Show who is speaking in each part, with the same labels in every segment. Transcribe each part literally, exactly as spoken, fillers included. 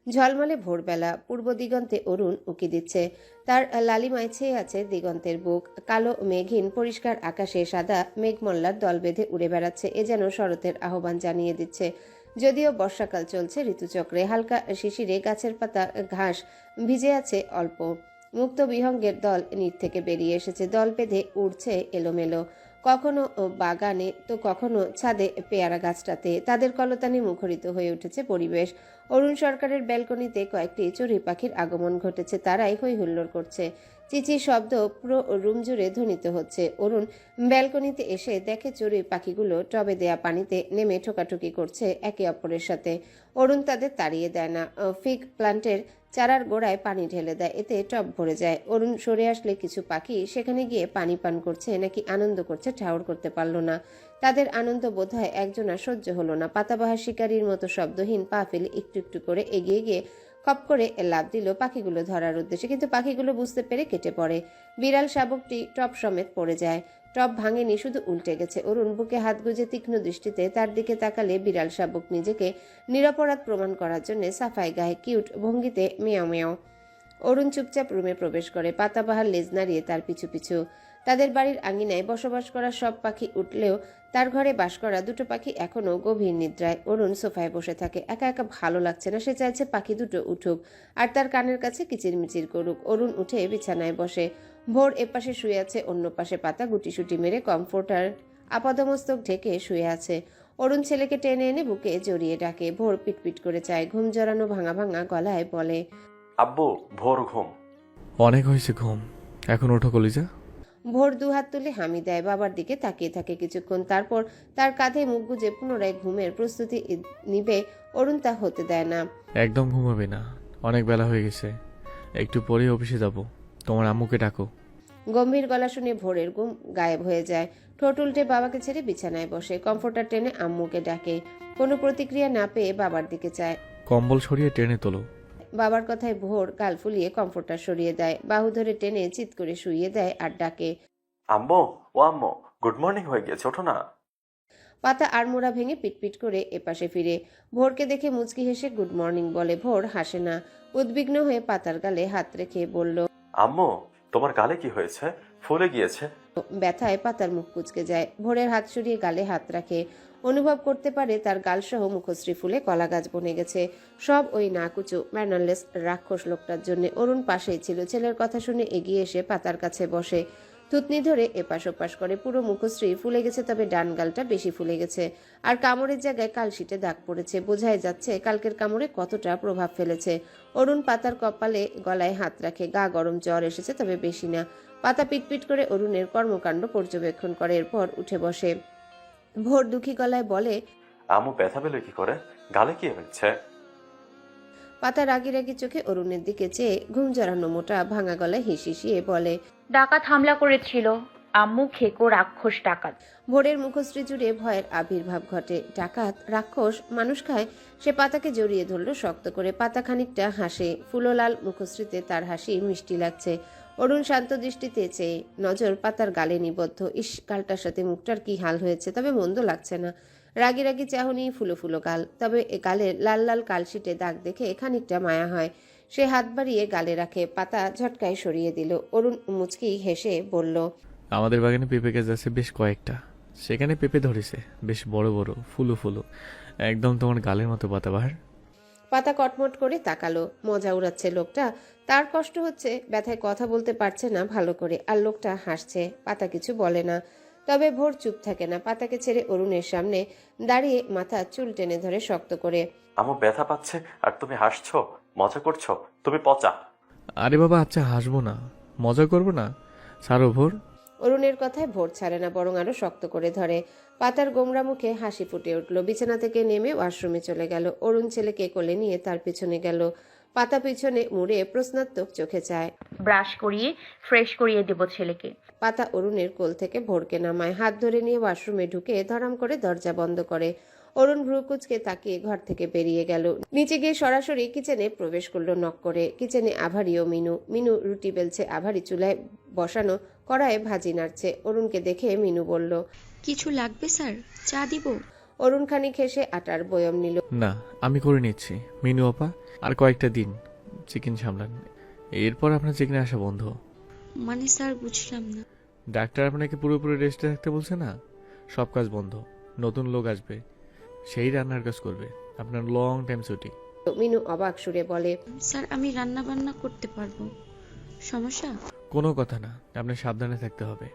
Speaker 1: ঝলমলে ভোরবেলা, পূর্ব দিগন্তে অরুণ উঁকি দিচ্ছে। তার লালিমায় ছেয়ে আছে দিগন্তের বুক। কালো মেঘহীন পরিষ্কার আকাশে সাদা মেঘমল্লার দল বেঁধে উড়ে বেড়াচ্ছে। এ যেন শরতের আহ্বান জানিয়ে দিচ্ছে। যদিও বর্ষাকাল চলছে ঋতুচক্রে, হালকা শিশিরে গাছের পাতা ঘাস ভিজে আছে অল্প। মুক্ত বিহঙ্গের দল নিট থেকে বেরিয়ে এসেছে, দল বেঁধে উড়ছে এলোমেলো, কখনো বাগানে তো কখনো ছাদে পেয়ারা গাছটাতে। তাদের কলতানে মুখরিত হয়ে উঠেছে পরিবেশ। অরুণ সরকারের ব্যালকনিতে কয়েকটি চড়ুই পাখির আগমন ঘটেছে, তারাই হই হুল্লোড় করছে। চিচির শব্দ পুরো রুম জুড়ে ধ্বনিত হচ্ছে। অরুণ ব্যালকনিতে এসে দেখে চড়ুই পাখিগুলো টবে দেয়া পানিতে নেমে ঠোকাঠুকি করছে একে অপরের সাথে। অরুণ তাদের তাড়িয়ে দেয় না, ফিগ প্লান্টের চারার গোড়ায় পানি ঢেলে দেয়, এতে টব ভরে যায়। অরুণ সরে আসলে কিছু পাখি সেখানে গিয়ে পানি পান করছে নাকি আনন্দ করছে ঠাউর করতে পারল না। তাদের আনন্দ বোধহয় একজনা সহ্য হলো না। পাতাবাহার শিকারীর মতো শব্দহীন পা ফেলে একটু একটু করে এগিয়ে গিয়ে খপ করে লাফ দিল পাখিগুলো ধরার উদ্দেশ্যে, কিন্তু পাখিগুলো বুঝতে পেরে কেটে পড়ে। বিড়াল শাবকটি টব সমেত পড়ে যায়। টব ভাঙেনি, শুধু উল্টে গেছে। অরুণ বুকে হাত গুজে তীক্ষ্ণ দৃষ্টিতে তার দিকে তাকালে বিড়াল শাবক নিজেকে নিরপরাধ প্রমাণ করার জন্য সাফাই গায়ে কিউট ভঙ্গিতে মেয়াও মেয়াও। অরুণ চুপচাপ রুমে প্রবেশ করে, পাতাবাহার লেজ নাড়িয়ে তার পিছু পিছু। তাদের বাড়ির আঙিনায় বসবাস করা সব পাখি উঠলেও তার ঘরে বাস করা দুটো পাখি এখনো গভীর নিদ্রায়। অরুণ সোফায় বসে থাকে, একা একা ভালো লাগছে না। সে চাইছে পাখি দুটো উঠুক আর তার কানের কাছে কিচিরমিচির করুক। অরুণ উঠে বিছানায় বসে। ভোর এপাশে শুয়ে আছে, অন্য পাশে পাতা গুটিসুটি মেরে কমফোর্টার আপাদমস্তক ঢেকে শুয়ে আছে। অরুণ ছেলেকে টেনে এনে বুকে জড়িয়ে ডাকে। ভোর পিটপিট করে চায়, ঘুম জড়ানো ভাঙা ভাঙা গলায় বলে,
Speaker 2: আব্বু ভোর ঘুম।
Speaker 3: অনেক হয়েছে ঘুম, এখন ওঠো কলিজা।
Speaker 1: ভোর দুহাত তুলে হামি দেয়, বাবার দিকে তাকিয়ে থাকে কিছুক্ষণ, তারপর তার কাঁধে মুখ গুজে পুনরায় ঘুমের প্রস্তুতি নিবে। অরুণ তা হতে দেয় না।
Speaker 3: একদম ঘুমাবে না, অনেক বেলা হয়ে গেছে, একটু পরেই অফিসে যাব। তোমার আম্মুকে ডাকো।
Speaker 1: গম্ভীর গলা শুনে ভোরের ঘুম গায়েব হয়ে যায়। ঠোঁট উল্টে বাবাকে ছেড়ে বিছানায় বসে, কমফোর্টার টেনে আম্মুকে ডাকে। কোনো প্রতিক্রিয়া না পেয়ে বাবার দিকে চায়।
Speaker 3: কম্বল সরিয়ে টেনে তোলো।
Speaker 1: বাবার কথায় ভোর গাল ফুলিয়ে কমফোর্টার সরিয়ে দেয়, বাহু ধরে টেনে চিৎ করে শুইয়ে দেয় আর ডাকে,
Speaker 2: আম্মু ও আম্মু, গুড মর্নিং হয়ে গেছে, ওঠো না।
Speaker 1: পাতা আড়মোড়া ভেঙে পিটপিট করে এপাশে ফিরে। ভোরকে দেখে মুচকি হেসে গুড মর্নিং বলে। ভোর হাসে না, উদ্বিগ্ন হয়ে পাতার গালে হাত রেখে বলল,
Speaker 2: আম্মু তোমার গালে কি হয়েছে, ফুলে গিয়েছে।
Speaker 1: ব্যথায় পাতার মুখ কুচকে যায়। ভোরের হাত সরিয়ে গালে হাত রাখে, অনুভব করতে পারে তার গালসহ মুখশ্রী ফুলে কলা গাছ বনে গেছে। সব ওই নাকুচু ম্যানারলেস রাক্ষস লোকটার জন্য। অরুণ পাশেই ছিল, ছেলের কথা শুনে এগিয়ে এসে পাতার কাছে বসে, থুতনি ধরে এপাশ ওপাশ করে। পুরো মুখশ্রী ফুলে গেছে, তবে ডান গালটা বেশি ফুলে গেছে আর কামড়ের জায়গায় কালশিটে দাগ পড়েছে। বোঝাই যাচ্ছে কালকের কামড়ে কতটা প্রভাব ফেলেছে। অরুণ পাতার কপালে গলায় হাত রাখে, গা গরম, জ্বর এসেছে তবে বেশি না। পাতা পিটপিট করে অরুণের কর্মকাণ্ড পর্যবেক্ষণ করে, এরপর উঠে বসে। ভোর দুঃখী গলায় বলে,
Speaker 2: আম্মু ব্যথা পেলে কি করে, গালে কি হয়েছে।
Speaker 1: পাতা রাগি রাগি চোখে অরুণের দিকে চেয়ে ঘুম জড়ানো মোটা ভাঙা গলায় হিসিয়ে বলে,
Speaker 4: ডাকাত হামলা করেছিল আম্মু, খেকো রাক্ষস ডাকাত।
Speaker 1: ভোরের মুখশ্রী জুড়ে ভয়ের আবির্ভাব ঘটে। ডাকাত, রাক্ষস, মানুষ খায়? সে পাতাকে জড়িয়ে ধরল শক্ত করে। পাতা খানিকটা হাসে, ফুললাল মুখশ্রীতে তার হাসি মিষ্টি লাগছে। অরুণ শান্ত দৃষ্টিতে চেয়ে, নজর পাতার গালে নিবদ্ধ। ইস, গালটার সাথে মুখটার কি হাল হয়েছে, তবে মন্দ লাগছে না। রাগি রাগি চাহনি, ফুলো ফুলো গাল, তবে এ গালের লাল লাল কালশিটে দাগ দেখে খানিকটা মায়া হয়। সে হাত বাড়িয়ে গালে রাখে, পাতা ঝটকায় সরিয়ে দিল। অরুণ মুচকি হেসে বলল,
Speaker 3: আমাদের বাগানে পেঁপে গাছ আছে বেশ কয়েকটা, সেখানে পেঁপে ধরেছে বেশ বড় বড়, ফুলো ফুলো, একদম তোমার গালের মতো পাতাবাহার।
Speaker 1: পাতা কটমট করে তাকালো। মজা উড়াচ্ছে লোকটা, তার কষ্ট হচ্ছে, ব্যথায় কথা বলতে পারছে না ভালো করে, আর লোকটা হাসছে। পাতা কিছু বলে না, তবে ভোর চুপ থাকে না। পাতাকে ছেড়ে অরুণের সামনে দাঁড়িয়ে মাথা চুল টেনে ধরে শক্ত করে,
Speaker 2: আম্মু ব্যথা পাচ্ছে আর তুমি হাসছো, মজা করছো, তুমি পচা।
Speaker 3: আরে বাবা আচ্ছা, হাসবো না, মজা করবো না, সারো ভোর।
Speaker 1: অরুণের কথায় ভোর ছাড়ে না, বরং আরো শক্ত করে ধরে। পাতার গোমরা মুখে হাসি ফুটে উঠল। বিছানা থেকে নেমে ওয়াশরুমে চলে গেল। অরুণ ছেলেকে কোলে নিয়ে তার পিছনে গেল। পাতা পিছনে মুড়ে প্রশ্নাত্মক চোখে চায়।
Speaker 4: ব্রাশ করিয়ে ফ্রেশ করিয়ে দেব ছেলেকে।
Speaker 1: পাতা অরুণের কোল থেকে ভোরকে নামায়, হাত ধরে নিয়ে ওয়াশরুমে ঢুকে ধরাম করে দরজা বন্ধ করে। অরুণ ভ্রুকুচকে তাকিয়ে ঘর থেকে বেরিয়ে গেল। নিচে গিয়ে সরাসরি কিচেনে প্রবেশ করলো নক করে। কিচেনে আভারি ও মিনু। মিনু রুটি বেলছে, আভারি চুলায় বসানো কড়ায় ভাজি নাড়ছে। অরুণকে দেখে মিনু বলল,
Speaker 5: কিছু লাগবে স্যার, চা দিব?
Speaker 1: অরুণ খানিক হেসে আটার বয়ম নিল।
Speaker 3: না, আমি করে নিচ্ছি মিনু আপা। আর কয়েকটা দিন চিকেন সামলান, এরপর আপনার চিকেনে আসা বন্ধ।
Speaker 5: মানে স্যার বুঝলাম না।
Speaker 3: ডাক্তার আপনাকে পুরোপুরি রেস্টে থাকতে বলছে না, সব কাজ বন্ধ। নতুন লোক আসবে, সেই রান্নার কাজ করবে। আপনার লং টাইম ছুটি।
Speaker 1: মিনু অবাক সুরে বলে,
Speaker 5: স্যার আমি রান্না বান্না করতে পারবো, সমস্যা?
Speaker 3: কোনো কথা না, আপনার সাবধানে থাকতে হবে।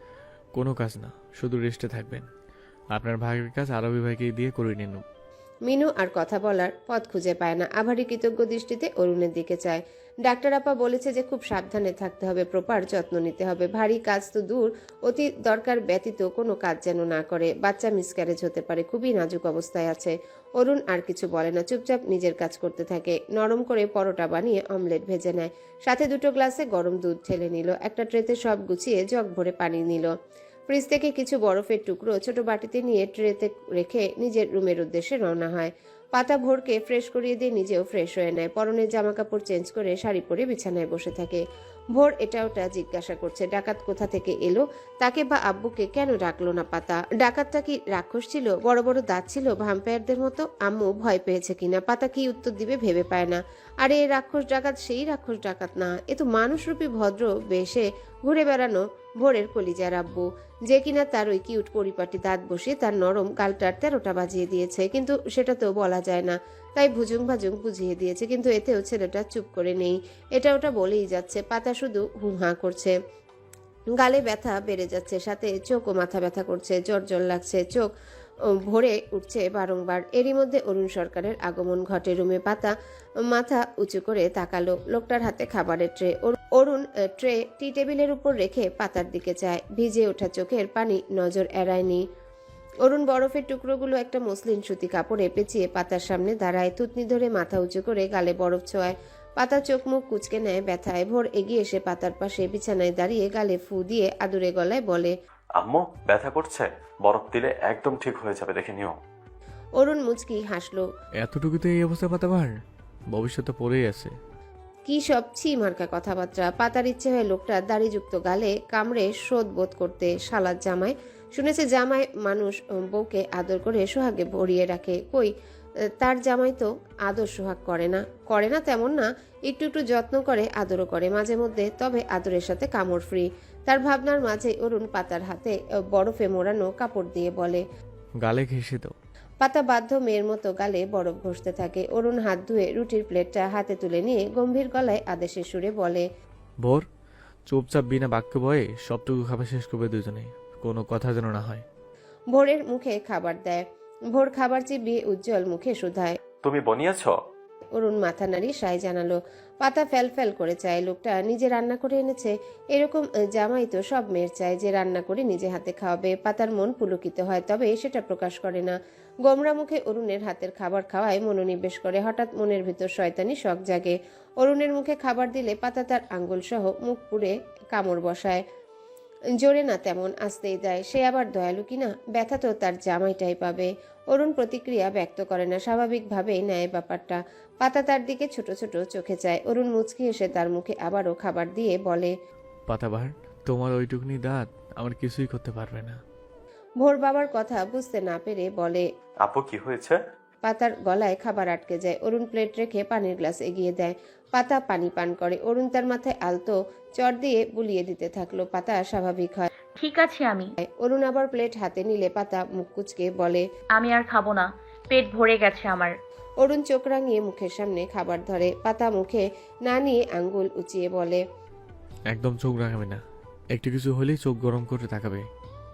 Speaker 3: কোনো কাজ না, শুধু রেস্টে থাকবেন। আপনার ভাগের কাজ আরবি ভাইকে দিয়ে করে নিন।
Speaker 1: মিনু আর কথা বলার পথ খুঁজে পায় না। আভারী কৃতজ্ঞ দৃষ্টিতে অরুণের দিকে চায়। ডাক্তার আপা বলেছে যে খুব সাবধানে থাকতে হবে, প্রপার যত্ন নিতে হবে। ভারী কাজ তো দূর, অতি দরকার ব্যতীত কোনো কাজ যেন না করে। বাচ্চা মিসক্যারেজ হতে পারে, খুবই নাজুক অবস্থায় আছে। অরুণ আর কিছু বলে না, চুপচাপ নিজের কাজ করতে থাকে। নরম করে পরোটা বানিয়ে অমলেট ভেজে নেয়, সাথে দুটো গ্লাসে গরম দুধ ঢেলে নিল। একটা ট্রেতে সব গুছিয়ে জগ ভরে পানি নিল। ফ্রিজ থেকে কিছু বরফের টুকরো ছোট বাটিতে নিয়ে ট্রেতে রেখে নিজের রুমের উদ্দেশ্যে রওনা হয়। পাতা ভোরকে ফ্রেশ করিয়ে দিয়ে নিজেও ফ্রেশ হয়ে নেয়। পরনের জামা কাপড় চেঞ্জ করে শাড়ি পরে বিছানায় বসে থাকে। ভোর এটা ওটা জিজ্ঞাসা করছে, ডাকাত কোথা থেকে এলো, তাকে বা আব্বুকে কেন ডাকলো না পাতা? ডাকাতটা কি রাক্ষস ছিল, বড় বড় দাঁত ছিল ভ্যাম্পায়ারদের মতো? আম্মু ভয় পেয়েছে কিনা? পাতা কি উত্তর দিবে ভেবে পায় না। আরে এ রাক্ষস ডাকাত সেই রাক্ষস ডাকাত না, এ তো মানুষরূপী ভদ্র বেশে ঘুরে বেড়ানো ভোরের কলিজার আব্বু, যে কিনা তার ওই কিউট পরিপাটি দাঁত বসিয়ে তার নরম গালটার তেরোটা বাজিয়ে দিয়েছে। কিন্তু সেটা তো বলা যায় না, তাই ভুজুং ভাজুং বুঝিয়ে দিয়েছে। কিন্তু এতেও ছেলেটা চুপ করে নেই, এটা ওটা বলেই যাচ্ছে। পাতা শুধু হুহা করছে। গালে ব্যথা বেড়ে যাচ্ছে, সাথে চোখ ও মাথা ব্যথা করছে, জ্বর জ্বর লাগছে, চোখ ভরে উঠছে বারংবার। এরই মধ্যে অরুণ সরকারের আগমন ঘটে রুমে। পাতা মাথা উঁচু করে তাকালো, লোকটার হাতে খাবারের ট্রে। অরুণ ট্রে টি টেবিলের উপর রেখে পাতার দিকে চায়। ভিজে ওঠা চোখের পানি নজর এড়ায়নি। অরুণ বরফের টুকরোগুলো একটা মসলিন সুতি কাপড়ে পেঁচিয়ে পাতার সামনে দাঁড়ায়, থুতনি ধরে মাথা উঁচু করে গালে বরফ ছোঁয়ায়। পাতা চোখ মুখ কুচকে নেয় ব্যথায়। ভোর এগিয়ে এসে পাতার পাশে বিছানায় দাঁড়িয়ে গালে ফু দিয়ে আদুরে গলায় বলে,
Speaker 2: আম্মু ব্যথা করছে, বরফ দিলে একদম ঠিক হয়ে যাবে, দেখে নিও।
Speaker 1: অরুণ মুচকি হাসলো।
Speaker 3: এতটুকুতে এই অবস্থা পাতাবার, ভবিষ্যতে পড়েই আছে।
Speaker 1: কি সব ছি মার্কা কথাবার্তা। পাতার ইচ্ছে হয় লোকটা দাড়িযুক্ত গালে কামড়ে শোধ বোধ করতে। শালার জামাই, শুনেছে জামাই মানুষ বউকে আদর করে সোহাগে ভরিয়ে রাখে। কই, তার জামাই তো আদর সোহাগ করে না। করে না তেমন না, একটু একটু যত্ন করে, আদরও করে মাঝে মধ্যে, তবে আদরের সাথে কামড় ফ্রি। তার ভাবনার মাঝে অরুণ পাতার হাতে বরফে মোড়ানো কাপড় দিয়ে বলে,
Speaker 3: গালে ঘেঁষে দাও।
Speaker 1: পাতা বাধ্য মেয়ের মতো গালে বরফ ঘষতে থাকে। অরুণ হাত ধুয়ে রুটির প্লেটটা হাতে তুলে নিয়ে গম্ভীর গলায় আদেশের সুরে বলে,
Speaker 3: ভোর চুপচাপ বিনা বাক্য বয়ে সবটুকু খাবার শেষ করবে দুজনে, কোনো কথা যেন না হয়।
Speaker 1: ভোরের মুখে খাবার দেয়। ভোর খাবার চিবিয়ে উজ্জ্বল মুখে শুধায়।
Speaker 2: তুমি বনিয়েছ?
Speaker 1: অরুণ মাথা নাড়ি সায় জানালো। পাতা ফ্যাল ফ্যাল করে চায় লোকটা নিজে রান্না করে এনেছে। এরকম জামাই তো সব মেয়ের চায়, যে রান্না করে নিজে হাতে খাওয়াবে। পাতার মন পুলকিত হয়, তবে সেটা প্রকাশ করে না। গোমরা মুখে অরুণের হাতের খাবার খাওয়ায় মনোনিবেশ করে। হঠাৎ মনের ভিতর শয়তানি শখ জাগে। অরুণের মুখে খাবার দিলে পাতা তার আঙ্গুল সহ মুখ পুড়ে কামড় বসায়। জোরে না, তেমন আস্তেই দেয়। সে আবার দয়ালু কিনা, ব্যথা তো তার জামাইটাই পাবে। অরুণ প্রতিক্রিয়া ব্যক্ত করে না, স্বাভাবিকভাবেই নেয় ব্যাপারটা। পাতা তার দিকে ছোট ছোট চোখে চায়। অরুণ মুচকি এসে তার মুখে আবারও খাবার দিয়ে বলে,
Speaker 3: পাতাবার, তোমার ওইটুকুনি দাঁত আমার কিছুই করতে পারবে না।
Speaker 1: ভোর বাবার কথা বুঝতে না পেরে বলে,
Speaker 2: আপু কি হয়েছে?
Speaker 1: পাতার গলায় খাবার আটকে যায়। অরুণ প্লেট রেখে পানির গ্লাস এগিয়ে দেয়। পাতা পানি পান করে। অরুণ তার মাথায় আলতো চড় দিয়ে বুলিয়ে দিতে থাকলো। পাতা স্বাভাবিক হয়।
Speaker 4: ঠিক আছে আমি
Speaker 1: অরুণ আবার প্লেট হাতে নিলে পাতা মুখ কুচকে বলে,
Speaker 4: আমি আর খাবো না, পেট ভরে গেছে আমার।
Speaker 1: অরুণ চোখ রাঙিয়ে মুখের সামনে খাবার ধরে। পাতা মুখে না নিয়ে আঙ্গুল উঁচিয়ে বলে,
Speaker 3: একদম চোখ রাখাবে না, একটু কিছু হলেই চোখ গরম করে তাকাবে।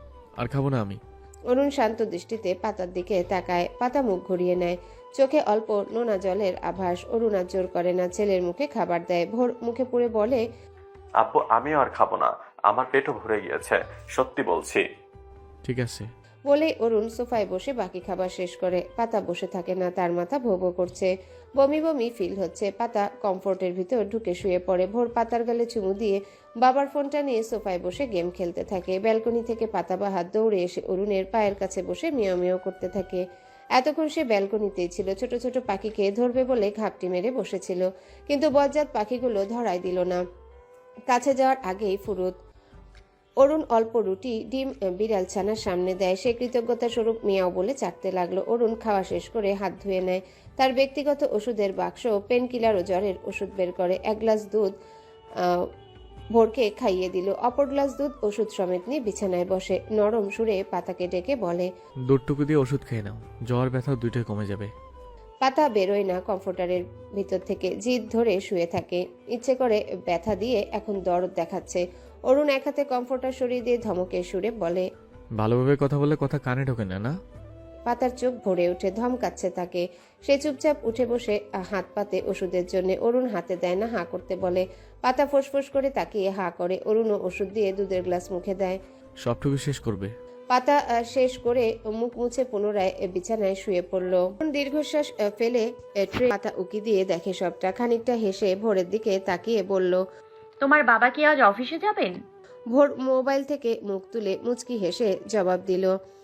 Speaker 3: আর খাবো না আমি।
Speaker 1: অরুণ শান্ত দৃষ্টিতে পাতার দিকে তাকায়। পাতা মুখ ঘুরিয়ে নেয়, চোখে অল্প নোনা জলের আভাস। অরুণ আর জোর করে না, ছেলের মুখে খাবার দেয়। ভোর মুখে পুড়ে বলে,
Speaker 2: আপু আমিও আর খাবো না, আমার পেটও ভরে গিয়েছে, সত্যি বলছি।
Speaker 3: ঠিক আছে
Speaker 1: বলেই অরুণ সোফায় বসে বাকি খাবার শেষ করে। পাতা বসে থাকে না, তার মাথা ভো ভো করছে, বমি বমি ফিল হচ্ছে। পাতা কমফোর্টের ভিতর ঢুকে শুয়ে পড়ে। ভোর পাতার গালে চুমু দিয়ে বাবার ফোনটা নিয়ে সোফায় বসে গেম খেলতে থাকে। ব্যালকনি থেকে পাতা বাহার দৌড়ে এসে অরুণের পায়ের কাছে বসে মিয়াও মিয়াও করতে থাকে। এতক্ষণ সে ব্যালকনিতেই ছিল, ছোট ছোট পাখিকে ধরবে বলে ঘাপটি মেরে বসেছিল, কিন্তু বজ্জাত পাখিগুলো ধরাই দিল না। কাছে যাওয়ার আগেই ফুরুত অরুণ অল্প রুটি ডিম বিড়াল ছানার সামনে দেয়। সে কৃতজ্ঞতা স্বরূপ মিয়াও বলে চাটতে লাগলো। অরুণ খাওয়া শেষ করে হাত ধুয়ে নেয়। তার ব্যক্তিগত ওষুধের বাক্স, পেন কিলার ও জ্বরের ওষুধ বের করে এক গ্লাস দুধ আহ ভোরকে খাইয়ে দিল। অপর গ্লাস দুধ ওষুধ সমেত নিয়ে বিছানায় বসে নরম সুরে পাতাকে ডেকে বলে,
Speaker 3: দুধটুকু দিয়ে ওষুধ খেয়ে নাও, জ্বর ব্যথা দুইটাই কমে যাবে।
Speaker 1: পাতা বেরোয় না কমফোর্টারের ভিতর থেকে, জিদ ধরে শুয়ে থাকে। ইচ্ছে করে ব্যথা দিয়ে এখন দরদ দেখাচ্ছে। অরুণ এক হাতে কমফোর্টার সরিয়ে দিয়ে ধমকের সুরে বলে,
Speaker 3: ভালোভাবে কথা বলে কথা কানে ঢোকে না না?
Speaker 1: পাতার চোখ ভরে ওঠে, ধমকাচ্ছে তাকে। সে চুপচাপ উঠে বসে হাত পাতে ওষুধের জন্য। অরুণ হাতে দেয় না, হাঁ করতে বলে। পাতা ফোঁস করে তাকিয়ে হাঁ করে। অরুণও ওষুধ দিয়ে দুধের গ্লাস মুখে দেয়।
Speaker 3: সবটুকু শেষ করবে?
Speaker 1: পাতা আহ, শেষ করে মুখ মুছে পুনরায় বিছানায় শুয়ে পড়ল। দীর্ঘশ্বাস আহ, ফেলে আহ, ট্রে পাতা উকি দিয়ে দেখে সবটা। খানিকটা হেসে ভোরের দিকে তাকিয়ে বলল,
Speaker 4: তোমার বাবা কি আজ অফিসে যাবেন?
Speaker 1: ভোর মোবাইল থেকে মুখ তুলে মুচকি হেসে জবাব দিল,